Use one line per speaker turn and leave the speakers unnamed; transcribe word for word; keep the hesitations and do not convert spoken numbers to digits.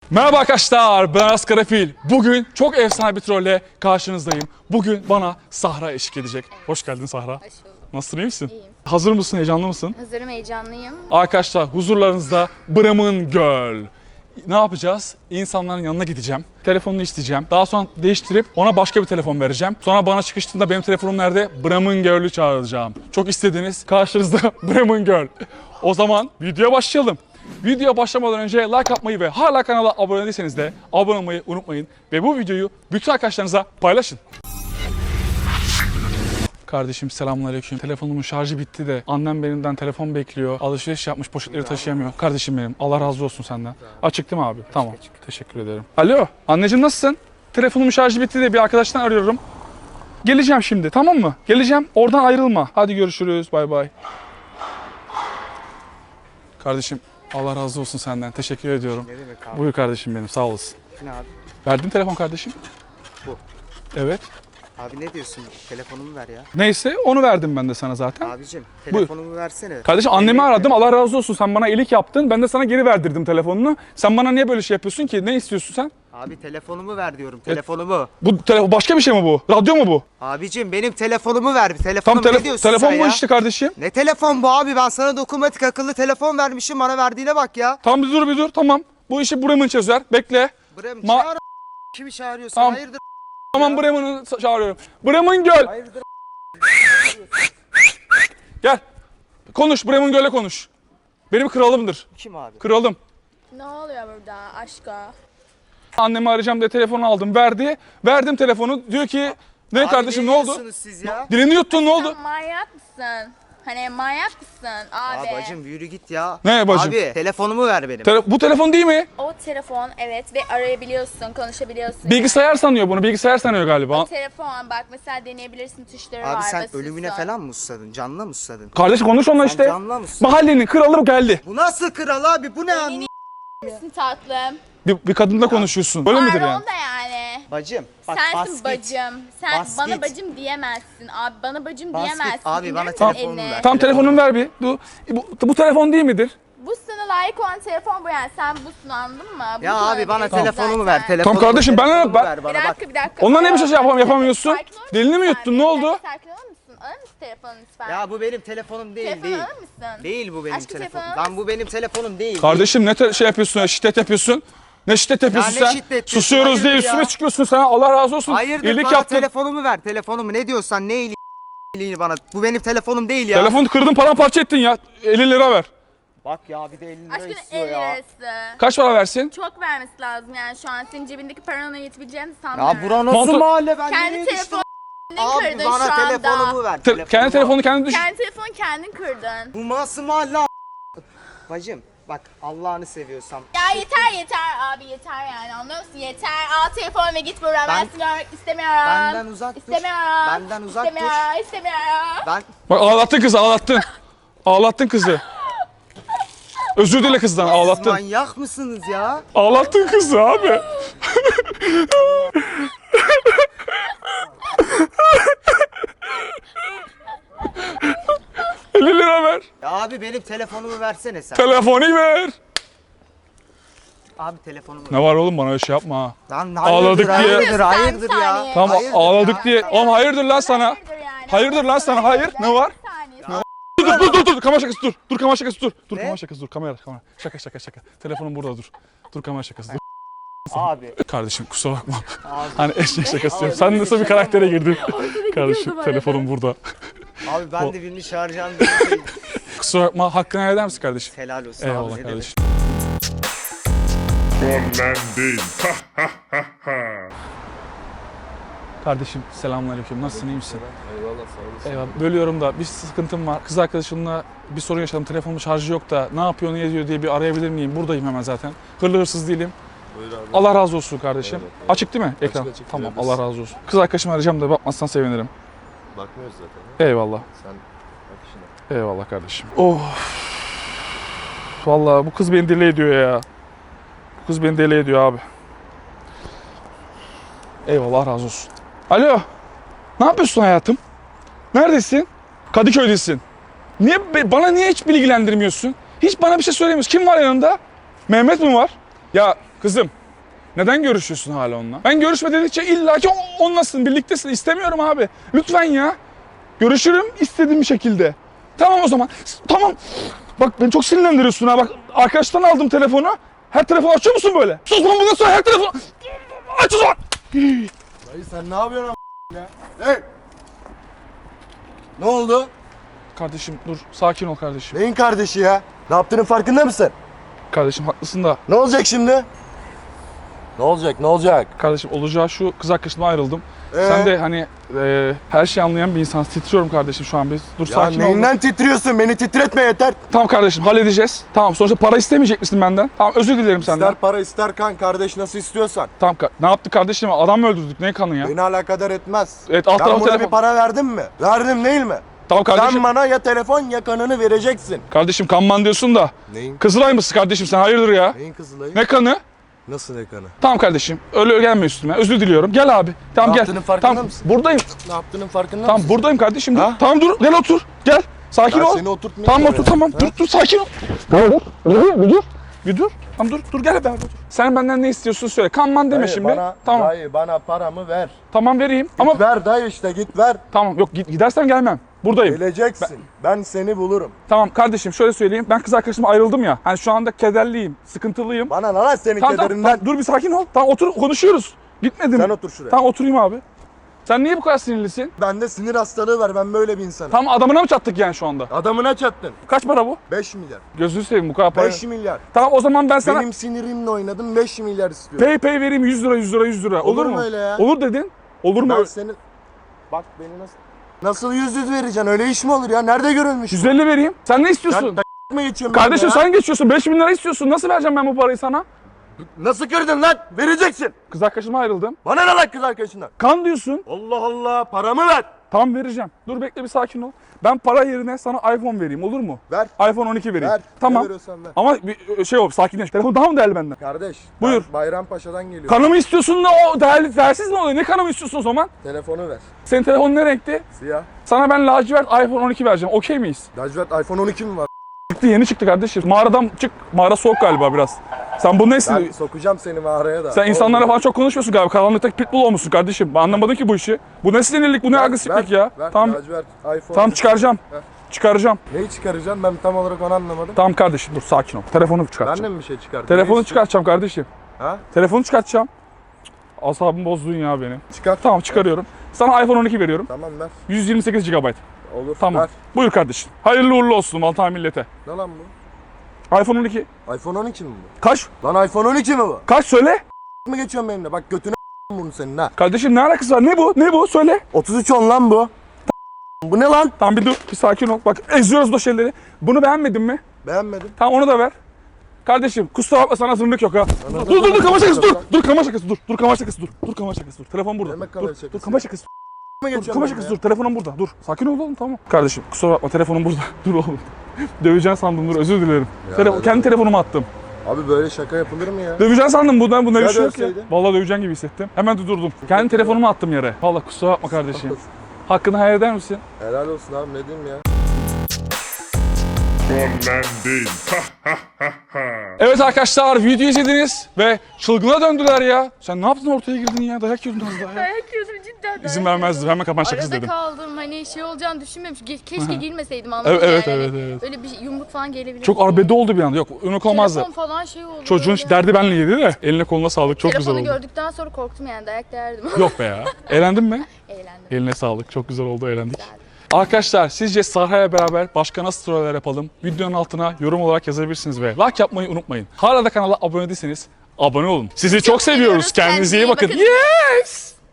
Merhaba arkadaşlar, ben Aras Karafil. Bugün çok efsane bir trolle karşınızdayım. Bugün bana Sahra eşlik edecek. Hoş geldin Sahra.
Hoş bulduk.
Nasılsın, iyi misin?
İyiyim.
Hazır mısın, heyecanlı mısın?
Hazırım, heyecanlıyım.
Arkadaşlar huzurlarınızda Bram'ın Göl. Ne yapacağız? İnsanların yanına gideceğim. Telefonunu isteyeceğim. Daha sonra değiştirip ona başka bir telefon vereceğim. Sonra bana çıkıştığında benim telefonum nerede? Bram'ın Göl'ü çağıracağım. Çok istediğiniz karşınızda Bram'ın Göl. O zaman videoya başlayalım. Videoya başlamadan önce like atmayı ve hala kanala abone değilseniz de abone olmayı unutmayın. Ve bu videoyu bütün arkadaşlarınıza paylaşın. Kardeşim selamünaleyküm. Telefonumun şarjı bitti de annem benimden telefon bekliyor. Alışveriş yapmış, poşetleri taşıyamıyor. Kardeşim benim, Allah razı olsun senden. Açık değil mi abi? Tamam. Teşekkür ederim. Alo, anneciğim nasılsın? Telefonumun şarjı bitti de bir arkadaştan arıyorum. Geleceğim şimdi, tamam mı? Geleceğim. Oradan ayrılma. Hadi görüşürüz. Bay bay. Kardeşim Allah razı olsun senden. Teşekkür ediyorum.
Ne demek abi?
Buyur kardeşim benim. Sağ olasın.
Ne abi?
Verdin telefon kardeşim.
Bu.
Evet.
Abi ne diyorsun? Telefonumu ver ya.
Neyse onu verdim ben de sana zaten.
Abicim telefonumu versene.
Kardeşim annemi
Emniyet
aradım.
ver.
Allah razı olsun. Sen bana iyilik yaptın. Ben de sana geri verdirdim telefonunu. Sen bana niye böyle şey yapıyorsun ki? Ne istiyorsun sen?
Abi telefonumu ver diyorum. Telefonumu.
Bu telefon başka bir şey mi bu? Radyo mu bu?
Abicim benim telefonumu ver.
Tam
Telefonum
tele-
ne diyorsun
telefon
sen
bu
ya?
işte kardeşim.
Ne telefon bu abi? Ben sana dokunmatik akıllı telefon vermişim. Bana verdiğine bak ya.
Tamam bir dur bir dur. Tamam. Bu işi Bremen çözer. Bekle.
Brem
Ma-
çağır kimi çağırıyorsun?
Tamam.
Hayırdır?
Tamam Bremen'i çağırıyorum. Bremen Göl.
Hayırdır?
Gel. Konuş. Bremen Göl'e konuş. Benim kralımdır.
Kim abi?
Kralım.
Ne oluyor burada aşka?
Annemi arayacağım diye telefonu aldım. Verdi. Verdim telefonu. Diyor ki ne
Abi
kardeşim ne
ne
oldu?
diyorsunuz siz ya?
Dilini yuttun ne oldu?
Sen manyak mısın? Hani manyak mısın abi?
Aa bacım yürü git ya.
Ne bacım?
Abi telefonumu ver benim.
Tele- bu telefon değil mi?
O telefon evet ve arayabiliyorsun, konuşabiliyorsun.
Bilgisayar sanıyor bunu. Bilgisayar sanıyor galiba.
O telefon bak mesela deneyebilirsin, tuşları var.
Abi sen
basıyorsun.
ölümüne falan mı susadın? Canına mı susadın?
Kardeş konuş onunla
Sen
işte.
canına mı susadın?
Mahallenin kralı geldi.
Bu nasıl kral abi? Bu ne
Beni
anlamı?
misin tatlım?
Bir, bir kadınla konuşuyorsun. Öyle midir yani?
Pardon da yani.
Bacım bak
Sensin
bas git.
bacım. Sen
Bas
bana
git.
bacım diyemezsin abi. Bana bacım
Bas git.
diyemezsin.
Abi,
İndirir
bana
misin
telefonumu
elini?
ver.
Tam telefonumu ver bir. Bu, bu, bu telefon değil midir?
Bu sana layık olan telefon bu yani. Sen busun anladın mı? Bu
Ya
sana
abi bana
diyorsun
telefonumu
zaten.
ver. Telefonumu,
kardeşim, ben-
telefonumu
ben-
ver bana
Bir
bak.
dakika bir dakika.
Ondan ne bir şey
Aa,
yapam-
bir
yapamıyorsun?
sakin olur musun
Dilini mi
sen?
yuttun, ne
Bir
oldu?
dakika, Sakin olur musun? Alır mısın telefonunu lütfen?
Ya bu benim telefonum değil
Telefonu
değil.
alır mısın?
Değil bu benim
Aşkım,
telefonum.
telefonu
Lan bu benim telefonum değil.
Kardeşim ne te- şey yapıyorsun ya, şiddet yapıyorsun. Ne şiddet yapıyorsun
ne
sen?
şiddet yapıyorsun?
Susuyoruz diye
Hayırdır
üstüme
ya?
çıkıyorsun sen. Allah razı olsun.
Hayırdır
İyilik
bana
yaptın.
telefonumu ver. Telefonumu ne diyorsan ne iyiliğini bana. Bu benim telefonum değil ya.
Telefonu kırdın paramparça ettin ya. elli lira ver.
Bak ya bir de elli lira
Aşkın
istiyor
el
ya.
lirası.
Kaç para versin?
Çok vermesi lazım yani şu an senin cebindeki paranın yetebileceğini sanmıyorum.
Ya bura nasıl
Montu-
mahalle ben
Kendi
nereye düştüm?
telefonunu
Abi
kırdın
bana
şu anda.
telefonumu ver.
Te- kendi telefonu kendi düş.
Kendi telefonu kendin kırdın.
Bu nasıl mahalle a- Bacım bak Allah'ını seviyorsam.
Ya yeter yeter abi yeter yani anlıyor musun? Yeter al telefonu ve git buradan ben,
Ben-
seni görmek istemiyorum.
Benden uzak dur.
İstemiyorum.
Benden uzak dur.
istemiyorum, İstemiyorum.
Ben
Bak ağlattın kızı ağlattın. Ağlattın kızı. Özür dile kızdan
Siz
ağlattın.
manyak mısınız ya?
Ağlattın kızı abi. elli lira ver.
Ya abi benim telefonumu versene sen.
Telefonu ver.
Abi telefonumu ver.
Ne var oğlum bana öyle şey yapma ha.
Lan
Ağladık
hayırdır,
diye-
hayırdır, hayırdır
Bir
ya.
saniye.
Tamam
Hayırdır
ağladık
ya.
diye. Oğlum hayırdır lan sana.
Hayırdır yani.
Hayırdır lan sana, hayır. Ne var?
Bir saniye.
Dur dur dur dur kamera şakası dur. Dur kamera şakası dur. Dur
Ne?
kamera şakası dur. Kamera kamera. Şaka şaka şaka. Telefonum burada dur. Dur kamera şakası dur.
Abi.
Kardeşim kusura bakma.
Abi.
Hani eşek şakası yapıyorum. Sen nasıl bir karaktere girdin? Kardeşim telefonum burada.
Abi ben de birini çağıracağım diye şey.
Kusura bakma, hakkını helal eder misin kardeşim?
Helal olsun
Eyvallah
abi. ne demek.
kardeşim.
Trollendim.
Kardeşim selamünaleyküm. Nasılsın, iyi misin? Eyvallah, sağ olasın. Eyvallah. Bölüyorum da bir sıkıntım var. Kız arkadaşımla bir sorun yaşadım. Telefonun şarjı yok da ne yapıyor, ne ediyor diye bir arayabilir miyim? Buradayım hemen zaten. Hırlı hırsız değilim.
Buyur abi.
Allah razı olsun kardeşim.
Evet, evet.
Açık değil mi ekran?
açık,
Tamam,
evet.
Allah razı olsun. Kız arkadaşımı arayacağım da bakmazsan sevinirim.
Bakmıyoruz zaten.
Eyvallah.
Sen bak işine.
Eyvallah kardeşim. Oh. Vallahi bu kız beni deli ediyor ya. Bu kız beni deli ediyor abi. Eyvallah, razı olsun. Alo. Ne yapıyorsun hayatım? Neredesin? Kadıköy'desin. Niye be- bana niye hiç bilgilendirmiyorsun? Hiç bana bir şey söylemiyorsun. Kim var yanında? Mehmet mi var? Ya kızım, Neden görüşüyorsun hala onunla? Ben görüşme dedikçe illaki o- onlasın, birliktesin. İstemiyorum abi. Lütfen ya. Görüşürüm istediğim şekilde. Tamam o zaman. Tamam. Bak beni çok sinirlendiriyorsun ha. Bak arkadaştan aldım telefonu. Her telefonu açıyor musun böyle? Sus lan bundan sonra her telefonu... Aç o zaman.
Dayı sen ne yapıyorsun a- ya? Hey! Ne oldu?
Kardeşim dur, sakin ol kardeşim.
Neyin kardeşi ya? Ne yaptığının farkında mısın?
Kardeşim haklısın da.
Ne olacak şimdi? Ne olacak ne olacak?
Kardeşim olacağı şu, kız arkadaşımla ayrıldım.
Ee?
Sen de hani e, her şeyi anlayan bir insansın. Titriyorum kardeşim şu an biz. Dur
Ya
sakin ol.
neyinden titriyorsun? Beni titretme yeter.
Tamam kardeşim halledeceğiz. Tamam sonuçta para istemeyecek misin benden? Tamam özür dilerim senden.
İster para ister kan kardeş nasıl istiyorsan.
Tamam ka- ne yaptık kardeşim? Adam mı öldürdük? Ne kanı ya?
Beni alakadar etmez.
Evet, alt
ben
tarafı
buna
telefon.
bir para verdim mi? Verdim değil mi?
Tamam kardeşim.
Sen bana ya telefon ya kanını vereceksin.
Kardeşim kanman diyorsun da.
Neyin?
Kızılay mısın kardeşim sen? Hayırdır ya?
Neyin Kızılay'ı?
Ne kanı?
Nasıl ne kanı?
Tamam kardeşim. Öyle gelme üstüme. Özür diliyorum. Gel abi. Tamam
Ne
gel.
yaptığının farkında
Tamam
mısın?
buradayım.
Ne yaptığının farkında
Tamam
mısın?
buradayım kardeşim. Dur.
Ha?
Tamam dur. Gel otur. Gel. Sakin
Ben
ol.
seni oturtmayayım
Tamam
oraya.
otur tamam.
Ha?
Dur dur sakin ol. Dur dur. Dur bir dur. Bir dur. Tamam dur. Dur gel beraber dur. Sen benden ne istiyorsun söyle. Kanman deme
Dayı,
şimdi.
Bana,
Tamam.
Dayı bana paramı ver.
Tamam vereyim.
Git
Ama
ver dayı işte git ver.
tamam yok git, gidersem gelmem. Buradayım.
Geleceksin. Ben seni bulurum.
Tamam kardeşim şöyle söyleyeyim. Ben kız arkadaşımla ayrıldım ya. Hani şu anda kederliyim, sıkıntılıyım.
Bana ne lan senin
Tamam, tamam,
kederinden.
tamam, dur bir sakin ol. Tamam otur konuşuyoruz. Gitmedim.
Sen otur şuraya.
Tamam oturayım abi. Sen niye bu kadar sinirlisin?
Bende sinir hastalığı var. Ben böyle bir insanım.
Tamam adamına mı çattık yani şu anda?
Adamına çattın.
Kaç para bu?
beş milyar.
Gözünü seveyim bu kadar para.
beş milyar.
Tamam o zaman ben sana
Benim sinirimle oynadım beş milyar istiyorum.
pay pay vereyim yüz lira yüz lira yüz lira. Olur,
Olur
mu?
mu öyle ya?
Olur dedin. Olur mu?
Ben senin... Bak beni nasıl... Nasıl yüz yüz vereceksin? Öyle iş mi olur ya? Nerede görülmüş?
yüz elli vereyim. Sen ne istiyorsun?
Sen tak mı geçiyorsun
Kardeşim
benimle ya?
sen geçiyorsun. beş bin lira istiyorsun. Nasıl vereceğim ben bu parayı sana?
Nasıl kırdın lan? Vereceksin.
Kız arkadaşıma ayrıldım.
Bana ne lan kız arkadaşından?
Kan diyorsun.
Allah Allah paramı ver.
Tam vereceğim. Dur bekle bir sakin ol. Ben para yerine sana iPhone vereyim olur mu?
Ver.
iPhone on iki vereyim.
Ver.
Tamam.
Ne veriyorsan ver.
Ama bir şey ol sakinleş. Telefon daha mı değerli benden?
Kardeş.
Buyur.
Ben Bayrampaşa'dan geliyorum.
Kanımı istiyorsun da o değerli, değersiz mi oluyor? Ne kanımı istiyorsun o zaman?
Telefonu ver.
Senin telefonun ne renkti?
Siyah.
Sana ben lacivert iPhone on iki vereceğim. Okey miyiz?
Lacivert iPhone on iki mi var?
Çıktı yeni çıktı kardeşim. Mağaradan çık. Mağara soğuk galiba biraz. Sen bu nesin?
Ben sokacağım seni mağaraya da.
Sen insanlara
Olmuyor.
falan çok konuşmuyorsun galiba. Karanlıktaki pitbull olmuşsun kardeşim. Ben anlamadım ki bu işi. Bu ne sinirlik, bu ne
Ver,
agresiflik
ver,
ya.
ver.
Tamam.
Lacivert iPhone.
Tamam çıkaracağım.
Ver.
Çıkaracağım.
Neyi çıkaracaksın? Ben tam olarak onu anlamadım.
Tamam kardeşim dur sakin ol. Telefonu
Ben
çıkartacağım.
de mi bir şey çıkardım?
Telefonu
Neyi
çıkartacağım kardeşim.
Ha?
Telefonu çıkartacağım. Asabımı bozdun ya benim.
Çıkar.
Tamam çıkarıyorum. Sana iPhone on iki veriyorum.
Tamam ver.
yüz yirmi sekiz gigabayt.
Olur.
Tamam.
Ver.
Buyur kardeşim. Hayırlı uğurlu olsun vatan millete.
Ne lan bu?
iPhone on iki.
iPhone on iki mi bu?
Kaç?
Lan iPhone on iki mi bu?
Kaç söyle?
mı geçiyorsun benimle? Bak götüne bunu senin ha.
Kardeşim ne alakası var? Ne bu? Ne bu? Söyle.
otuz üç on lan bu. Bu ne lan?
Tamam bir dur. Bir sakin ol. Bak eziyoruz da şeyleri. Bunu beğenmedin mi?
Beğenmedim.
Tamam onu da ver. Kardeşim kusura bakma sana zırnık yok ha.
Sana
Dur dur dur
zırnık
kamera şakası
yok
dur.
lan.
Dur kamera şakası dur. Dur kamera şakası dur. Dur kamera şakası dur. Telefon burada.
Demek
Dur,
kamera
dur,
şakası
dur kamera
ya.
şakası.
mı
Dur
geçiyorsun
kamera
benimle
şakası
ya?
dur. Telefonum burada. Dur. Sakin ol oğlum tamam. Kardeşim kusura bakma telefonum burada. Dur oğlum. Döveceğin sandım dur özür dilerim. Tele-
öyle
kendi
mi?
telefonumu attım.
Abi böyle şaka yapılır mı ya?
Döveceğin sandım bundan bunda bir
Ya
şey yok ya.
dövseydin?
Vallahi döveceğin gibi hissettim. Hemen de durdum. Kendi telefonumu attım yere. Vallahi kusura bakma kardeşim. Hakkını hayal eder misin?
Helal olsun abi ne diyeyim ya?
Trollendim.
Evet arkadaşlar video izlediniz ve çılgına döndüler ya. Sen ne yaptın ortaya girdin ya? Dayak yiyordun az daha ya.
Dayak yiyordum cidden. dayak
İzin
yiyordum.
vermezdim. Hemen kapan şakası
Arada
dedim.
kaldım hani şey olacağını düşünmemiş. Ge- Keşke girmeseydim anladın
Evet, evet,
yani.
evet, evet.
Öyle bir yumruk falan gelebilir.
Çok arbede oldu bir anda. Yok ünlük olmazdı.
Telefon falan şey oldu.
Çocuğun
böyle.
derdi benle yedi de eline koluna sağlık çok
Telefonu
güzel oldu.
gördükten sonra korktum yani dayak derdim.
Yok be ya. Eğlendin mi?
Eğlendim.
Eline sağlık. Çok güzel oldu eğlendik. Arkadaşlar sizce Sahra'ya beraber başka nasıl troller yapalım? Videonun altına yorum olarak yazabilirsiniz ve like yapmayı unutmayın. Hala da kanala abone değilseniz abone olun. Sizi çok seviyoruz.
seviyoruz.
Kendinize iyi
Kendinize iyi
bakın.
bakın.
Yes!